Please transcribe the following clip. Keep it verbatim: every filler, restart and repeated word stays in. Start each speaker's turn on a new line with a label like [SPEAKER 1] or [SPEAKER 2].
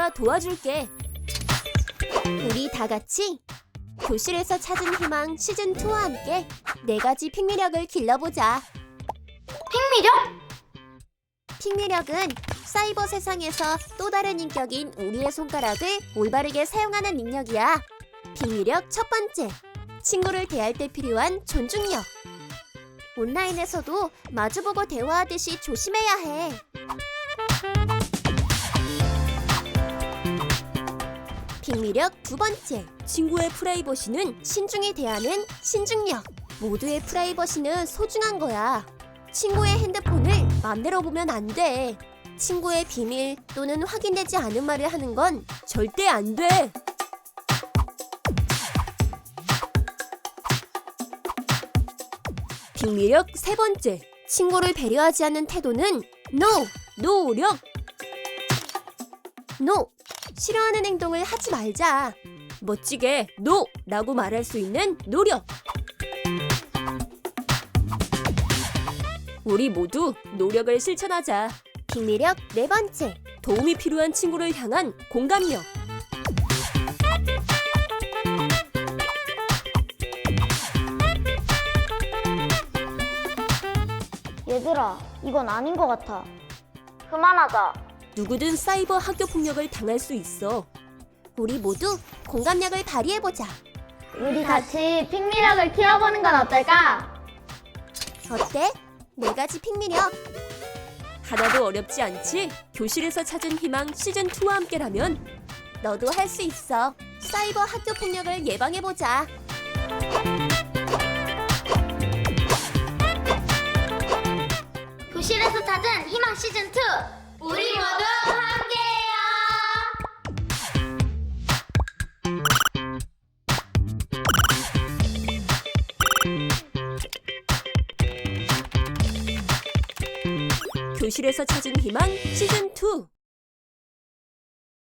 [SPEAKER 1] 내가 도와줄게. 우리 다 같이 교실에서 찾은 희망 시즌이와 함께 네 가지 핑미력을 길러보자.
[SPEAKER 2] 핑미력?
[SPEAKER 1] 핑미력은 사이버 세상에서 또 다른 인격인 우리의 손가락을 올바르게 사용하는 능력이야. 핑미력 첫 번째, 친구를 대할 때 필요한 존중력. 온라인에서도 마주보고 대화하듯이 조심해야 해. 핑미력 두 번째, 친구의 프라이버시는 신중히 대하는 신중력. 모두의 프라이버시는 소중한 거야. 친구의 핸드폰을 맘대로 보면 안 돼. 친구의 비밀 또는 확인되지 않은 말을 하는 건 절대 안 돼. 핑미력 세 번째, 친구를 배려하지 않는 태도는 NO! 노력! NO! 싫어하는 행동을 하지 말자. 멋지게 NO! 라고 말할 수 있는 노력! 우리 모두 노력을 실천하자. 핑미력 네 번째, 도움이 필요한 친구를 향한 공감력.
[SPEAKER 2] 얘들아, 이건 아닌 것 같아. 그만하자.
[SPEAKER 1] 누구든 사이버 학교 폭력을 당할 수 있어. 우리 모두 공감력을 발휘해보자.
[SPEAKER 2] 우리 같이 핑미력을 키워보는 건 어떨까?
[SPEAKER 1] 어때? 네 가지 핑미력. 하나도 어렵지 않지? 교실에서 찾은 희망 시즌이와 함께라면 너도 할 수 있어. 사이버 학교 폭력을 예방해보자.
[SPEAKER 2] 교실에서 찾은 희망 시즌이, 우리 모두 함께해요.
[SPEAKER 1] 교실에서 찾은 희망 시즌이.